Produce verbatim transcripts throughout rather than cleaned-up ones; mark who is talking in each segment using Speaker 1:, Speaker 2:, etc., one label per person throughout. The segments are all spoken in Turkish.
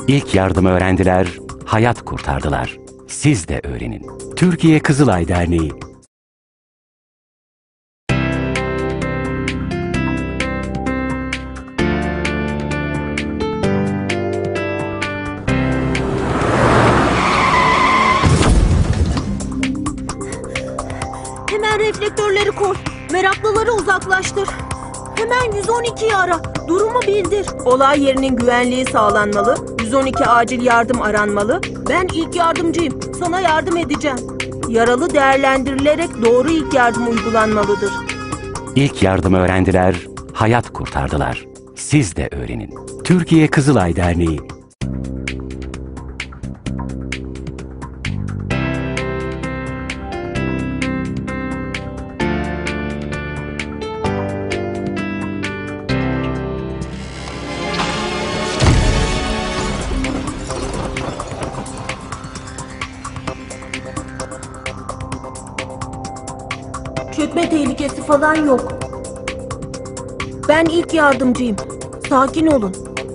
Speaker 1: İlk yardımı öğrendiler, hayat kurtardılar. Siz de öğrenin. Türkiye Kızılay Derneği.
Speaker 2: Hemen reflektörleri koy. Meraklıları uzaklaştır. Hemen yüz on ikiyi ara. Durumu bildir. Olay yerinin güvenliği sağlanmalı. yüz on iki acil yardım aranmalı. Ben ilk yardımcıyım. Sana yardım edeceğim. Yaralı değerlendirilerek doğru ilk yardım uygulanmalıdır.
Speaker 1: İlk yardımı öğrendiler, hayat kurtardılar. Siz de öğrenin. Türkiye Kızılay Derneği.
Speaker 2: Çökme tehlikesi falan yok. Ben ilk yardımcıyım. Sakin olun.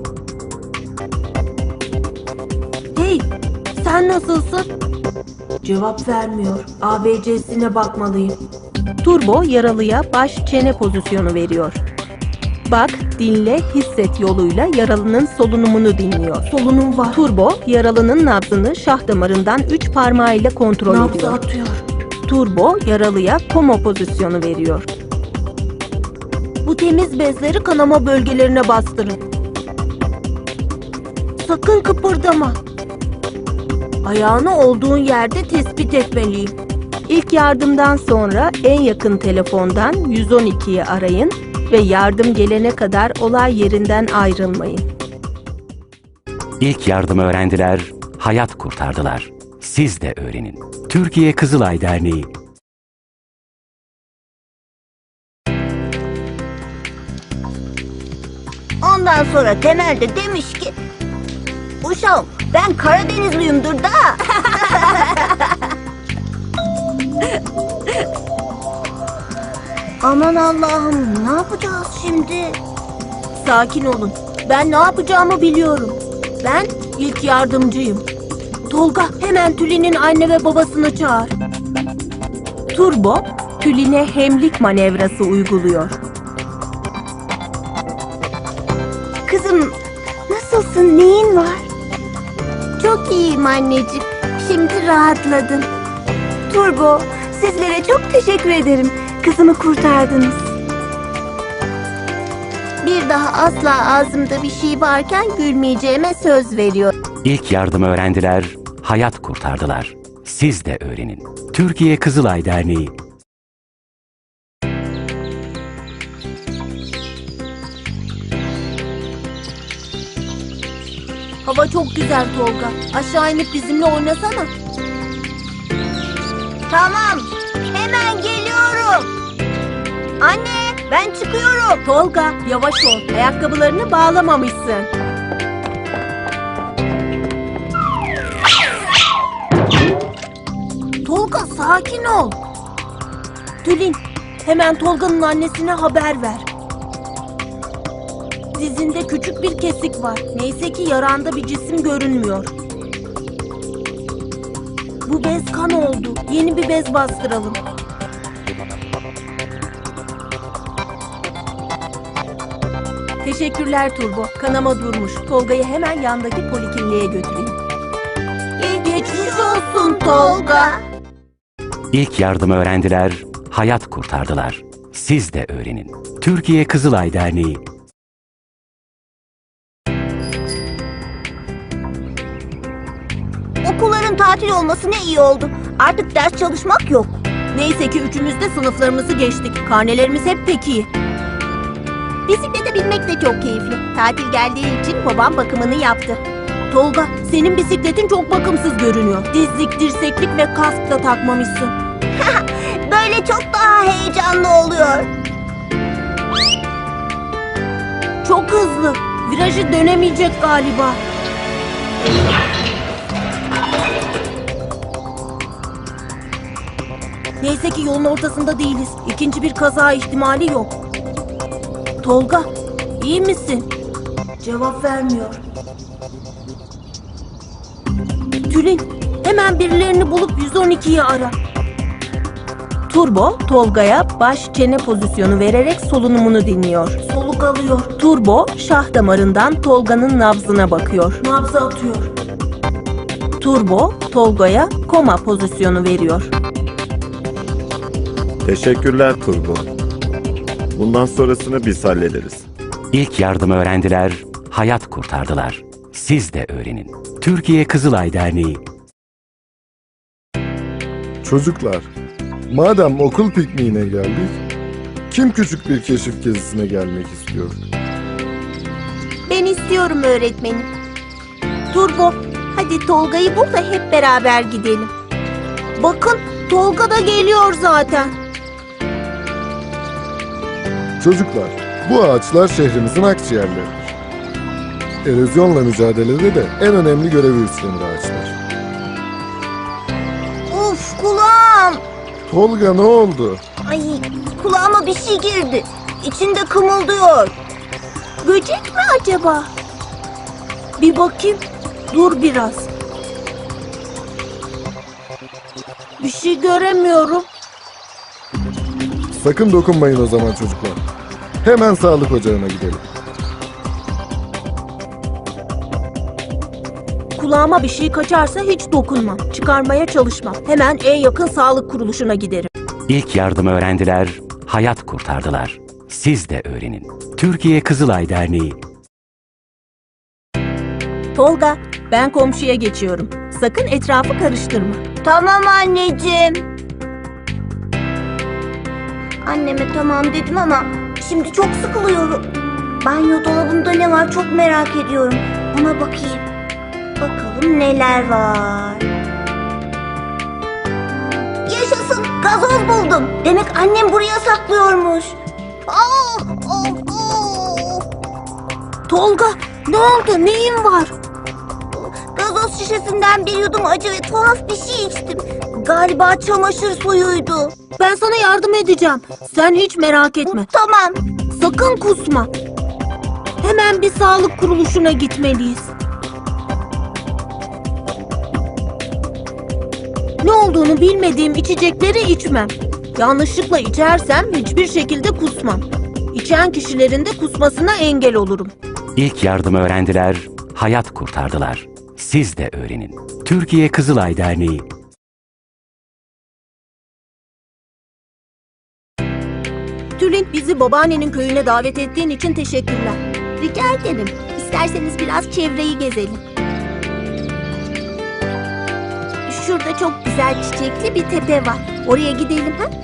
Speaker 2: Hey, sen nasılsın? Cevap vermiyor. A B C'sine bakmalıyım. Turbo yaralıya baş çene pozisyonu veriyor. Bak, dinle, hisset yoluyla yaralının solunumunu dinliyor. Solunum var. Turbo yaralının nabzını şah damarından üç parmağıyla kontrol
Speaker 3: Nabzı
Speaker 2: ediyor.
Speaker 3: atıyor.
Speaker 2: Turbo yaralıya komo pozisyonu veriyor. Bu temiz bezleri kanama bölgelerine bastırın. Sakın kıpırdama. Ayağını olduğun yerde tespit etmeliyim. İlk yardımdan sonra en yakın telefondan yüz on ikiyi arayın ve yardım gelene kadar olay yerinden ayrılmayın.
Speaker 1: İlk yardımı öğrendiler, hayat kurtardılar. Siz de öğrenin. Türkiye Kızılay Derneği.
Speaker 3: Ondan sonra Temel de demiş ki, uşağım ben Karadenizliyimdir da. Aman Allah'ım, ne yapacağız şimdi?
Speaker 2: Sakin olun. Ben ne yapacağımı biliyorum. Ben ilk yardımcıyım. Tolga, hemen Tülin'in anne ve babasını çağır. Turbo, Tülin'e hemlik manevrası uyguluyor.
Speaker 3: Kızım, nasılsın, neyin var? Çok iyiyim anneciğim, şimdi rahatladım. Turbo, sizlere çok teşekkür ederim. Kızımı kurtardınız. Bir daha asla ağzımda bir şey varken gülmeyeceğime söz veriyor.
Speaker 1: İlk yardımı öğrendiler, hayat kurtardılar. Siz de öğrenin. Türkiye Kızılay Derneği.
Speaker 2: Hava çok güzel Tolga. Aşağı inip bizimle oynasana.
Speaker 3: Tamam, hemen geliyorum. Anne, ben çıkıyorum.
Speaker 2: Tolga, yavaş ol. Ayakkabılarını bağlamamışsın. Tolga, sakin ol. Tülin, hemen Tolga'nın annesine haber ver. Dizinde küçük bir kesik var. Neyse ki yaranda bir cisim görünmüyor. Bu bez kan oldu. Yeni bir bez bastıralım. Teşekkürler Turbo. Kanama durmuş. Tolga'yı hemen yandaki polikliniğe götüreyim.
Speaker 3: Geçmiş olsun Tolga.
Speaker 1: İlk yardımı öğrendiler, hayat kurtardılar. Siz de öğrenin. Türkiye Kızılay Derneği.
Speaker 3: Okulların tatil olması ne iyi oldu. Artık ders çalışmak yok.
Speaker 2: Neyse ki üçümüz de sınıflarımızı geçtik. Karnelerimiz hep pek iyi.
Speaker 3: Bisiklete binmek de çok keyifli. Tatil geldiği için babam bakımını yaptı.
Speaker 2: Tolga, senin bisikletin çok bakımsız görünüyor. Dizlik, dirseklik ve kask da takmamışsın.
Speaker 3: Böyle çok daha heyecanlı oluyor.
Speaker 2: Çok hızlı. Virajı dönemeyecek galiba. Neyse ki yolun ortasında değiliz. İkinci bir kaza ihtimali yok. Tolga, iyi misin? Cevap vermiyor. Tülin, hemen birilerini bulup yüz on ikiyi ara. Turbo, Tolga'ya baş çene pozisyonu vererek solunumunu dinliyor. Soluk alıyor. Turbo, şah damarından Tolga'nın nabzına bakıyor. Nabzı atıyor. Turbo, Tolga'ya koma pozisyonu veriyor.
Speaker 4: Teşekkürler Turbo. Bundan sonrasını biz hallederiz.
Speaker 1: İlk yardımı öğrendiler, hayat kurtardılar. Siz de öğrenin. Türkiye Kızılay Derneği.
Speaker 5: Çocuklar, madem okul pikniğine geldik, kim küçük bir keşif gezisine gelmek istiyor?
Speaker 2: Ben istiyorum öğretmenim. Turbo, hadi Tolga'yı bul da hep beraber gidelim. Bakın, Tolga da geliyor zaten.
Speaker 5: Çocuklar, bu ağaçlar şehrimizin akciğerleridir. Erozyonla mücadelede de en önemli görevi üstlenir ağaçlar.
Speaker 3: Uf kulağım.
Speaker 5: Tolga ne oldu?
Speaker 3: Ay kulağıma bir şey girdi. İçinde kımıldıyor.
Speaker 2: Böcek mi acaba? Bir bakayım. Dur biraz. Bir şey göremiyorum.
Speaker 5: Sakın dokunmayın o zaman çocuklar. Hemen sağlık ocağına gidelim.
Speaker 2: Kulağıma bir şey kaçarsa hiç dokunmam. Çıkarmaya çalışmam. Hemen en yakın sağlık kuruluşuna giderim.
Speaker 1: İlk yardımı öğrendiler, hayat kurtardılar. Siz de öğrenin. Türkiye Kızılay Derneği.
Speaker 2: Tolga, ben komşuya geçiyorum. Sakın etrafı karıştırma.
Speaker 3: Tamam anneciğim. Anneme tamam dedim ama şimdi çok sıkılıyorum. Banyo dolabında ne var çok merak ediyorum. Ona bakayım. Bakalım neler var. Yaşasın, gazoz buldum. Demek annem buraya saklıyormuş. Ah, ah, ah.
Speaker 2: Tolga, ne oldu? Neyin var?
Speaker 3: Gazoz şişesinden bir yudum acı ve tuhaf bir şey içtim. Galiba çamaşır suyuydu.
Speaker 2: Ben sana yardım edeceğim. Sen hiç merak etme.
Speaker 3: Tamam.
Speaker 2: Sakın kusma. Hemen bir sağlık kuruluşuna gitmeliyiz. Ne olduğunu bilmediğim içecekleri içmem. Yanlışlıkla içersem hiçbir şekilde kusmam. İçen kişilerin de kusmasına engel olurum.
Speaker 1: İlk yardımı öğrendiler, hayat kurtardılar. Siz de öğrenin. Türkiye Kızılay Derneği.
Speaker 2: Tülin, bizi babaannenin köyüne davet ettiğin için teşekkürler. Rica ederim. İsterseniz biraz çevreyi gezelim. Şurada çok güzel çiçekli bir tepe var. Oraya gidelim ha?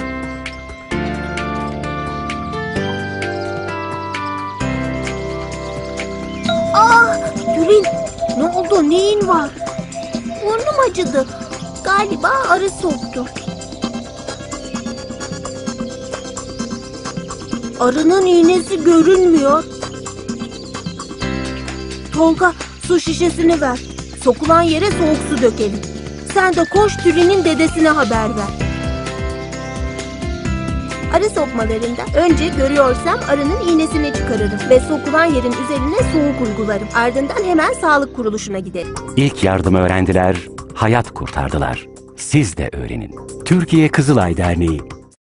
Speaker 2: Ah, Tülin, ne oldu? Neyin var? Burnum acıdı. Galiba arı soktu. Arının iğnesi görünmüyor. Tolga, su şişesini ver. Sokulan yere soğuk su dökelim. Sen de koş Tülin'in dedesine haber ver. Arı sokmalarında önce görüyorsam arının iğnesini çıkarırım ve sokulan yerin üzerine soğuk uygularım. Ardından hemen sağlık kuruluşuna giderim.
Speaker 1: İlk yardımı öğrendiler, hayat kurtardılar. Siz de öğrenin. Türkiye Kızılay Derneği.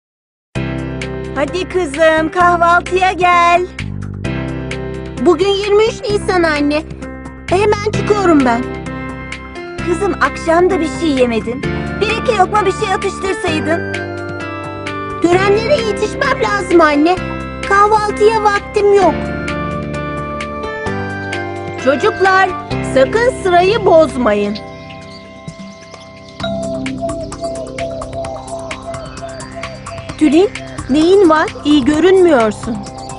Speaker 3: Hadi kızım kahvaltıya gel.
Speaker 2: Bugün yirmi üç Nisan anne. Hemen çıkıyorum ben.
Speaker 3: Kızım akşam da bir şey yemedin. Bir iki lokma bir şey atıştırsaydın.
Speaker 2: Törenlere yetişmem lazım anne. Kahvaltıya vaktim yok. Çocuklar, sakın sırayı bozmayın. Tülin, neyin var? İyi görünmüyorsun.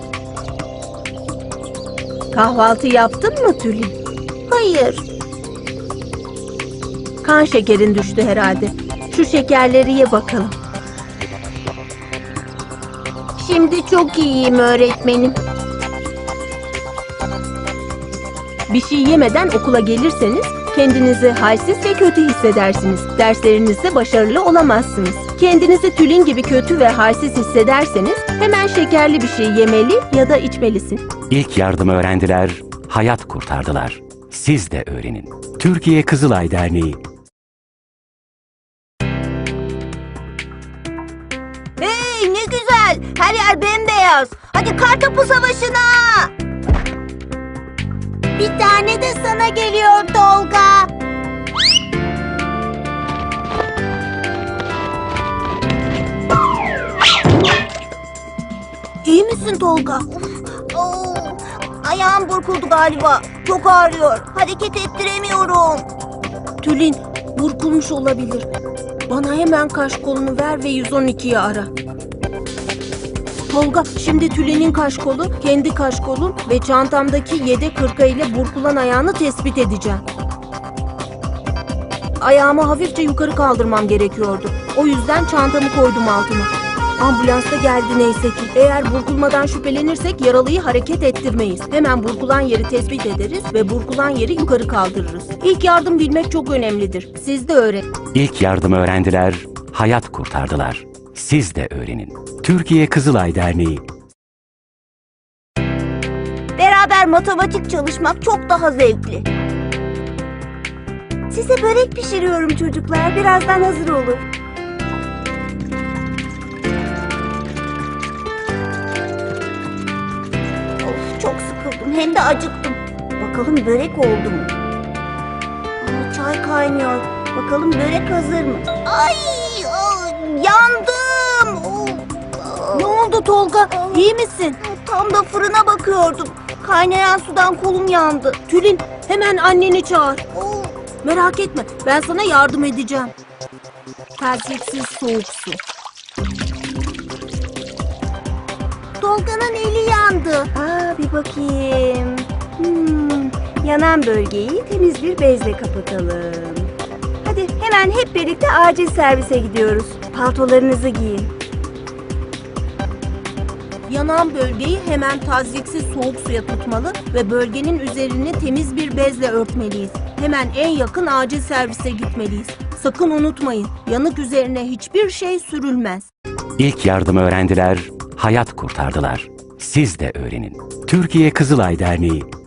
Speaker 2: Kahvaltı yaptın mı Tülin? Hayır. Kan şekerin düştü herhalde. Şu şekerleri ye bakalım. Şimdi çok iyiyim öğretmenim. Bir şey yemeden okula gelirseniz kendinizi halsiz ve kötü hissedersiniz. Derslerinizde başarılı olamazsınız. Kendinizi Tülin gibi kötü ve halsiz hissederseniz hemen şekerli bir şey yemeli ya da içmelisin.
Speaker 1: İlk yardımı öğrendiler, hayat kurtardılar. Siz de öğrenin. Türkiye Kızılay Derneği.
Speaker 3: biraz. Hadi kartopu savaşına. Bir tane de sana geliyor Tolga.
Speaker 2: İyi misin Tolga?
Speaker 3: Oo, ayağım burkuldu galiba. Çok ağrıyor. Hareket ettiremiyorum.
Speaker 2: Tülin, burkulmuş olabilir. Bana hemen kaş kolunu ver ve yüz on ikiyi ara. Tolga, şimdi Tülin'in kaş kolu, kendi kaş kolum ve çantamdaki yedek hırka ile burkulan ayağını tespit edeceğim. Ayağımı hafifçe yukarı kaldırmam gerekiyordu. O yüzden çantamı koydum altıma. Ambulans da geldi neyse ki. Eğer burkulmadan şüphelenirsek yaralıyı hareket ettirmeyiz. Hemen burkulan yeri tespit ederiz ve burkulan yeri yukarı kaldırırız. İlk yardım bilmek çok önemlidir. Siz de öğrenin.
Speaker 1: İlk yardım öğrendiler, hayat kurtardılar. Siz de öğrenin. Türkiye Kızılay Derneği.
Speaker 3: Beraber matematik çalışmak çok daha zevkli. Size börek pişiriyorum çocuklar. Birazdan hazır olur. Of, çok sıkıldım. Hem de acıktım. Bakalım börek oldu mu? Aa, çay kaynıyor. Bakalım börek hazır mı? Ay, aa, yandım. Oo, aa.
Speaker 2: Ne oldu Tolga? İyi misin?
Speaker 3: Tam da fırına bakıyordum. Kaynayan sudan kolum yandı.
Speaker 2: Tülin, hemen anneni çağır.
Speaker 3: Oo,
Speaker 2: Merak etme, ben sana yardım edeceğim. Tersiksiz soğuk su.
Speaker 3: Tolga'nın eli yandı. Aa, bir bakayım. Hmm, yanan bölgeyi temiz bir bezle kapatalım. Hadi hemen hep birlikte acil servise gidiyoruz. Paltolarınızı giyin.
Speaker 2: Yanan bölgeyi hemen tazyiksiz soğuk suya tutmalı ve bölgenin üzerini temiz bir bezle örtmeliyiz. Hemen en yakın acil servise gitmeliyiz. Sakın unutmayın, yanık üzerine hiçbir şey sürülmez.
Speaker 1: İlk yardım öğrendiler, hayat kurtardılar. Siz de öğrenin. Türkiye Kızılay Derneği.